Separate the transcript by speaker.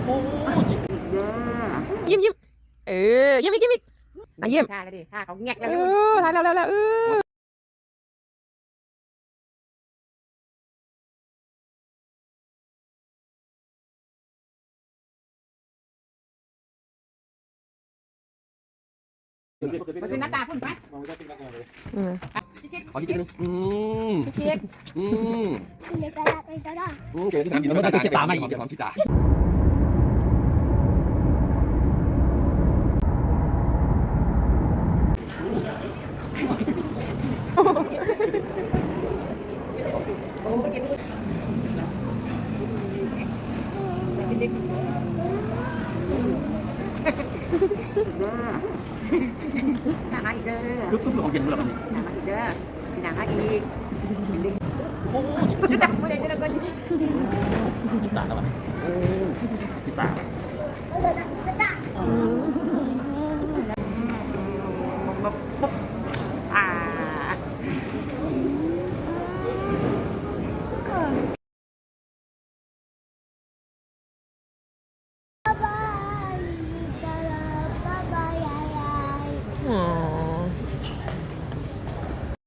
Speaker 1: ยิ้มยิ้มยิ้มอีกยิ้มอีกยิ้ม
Speaker 2: ท่าเลยดิท่าเขาแงกแล้ว
Speaker 1: ถ่ายแล้ว
Speaker 2: มันคือหน้าตาพุ่นไป
Speaker 3: ขอที่นึง
Speaker 2: เช็ด
Speaker 3: เจอที่สามกินแล้วได้ตาไม่อีกจะมองขี้ตา
Speaker 2: หนังอีกเด้อ
Speaker 3: ปึ๊บของเย็นเมื่อไหร่
Speaker 2: หนังอีกเด้อหนังอีกโอ้ยหนังไม่ได้เด้อก็
Speaker 3: ขี้ตาแล้วอ่ะขี้ตา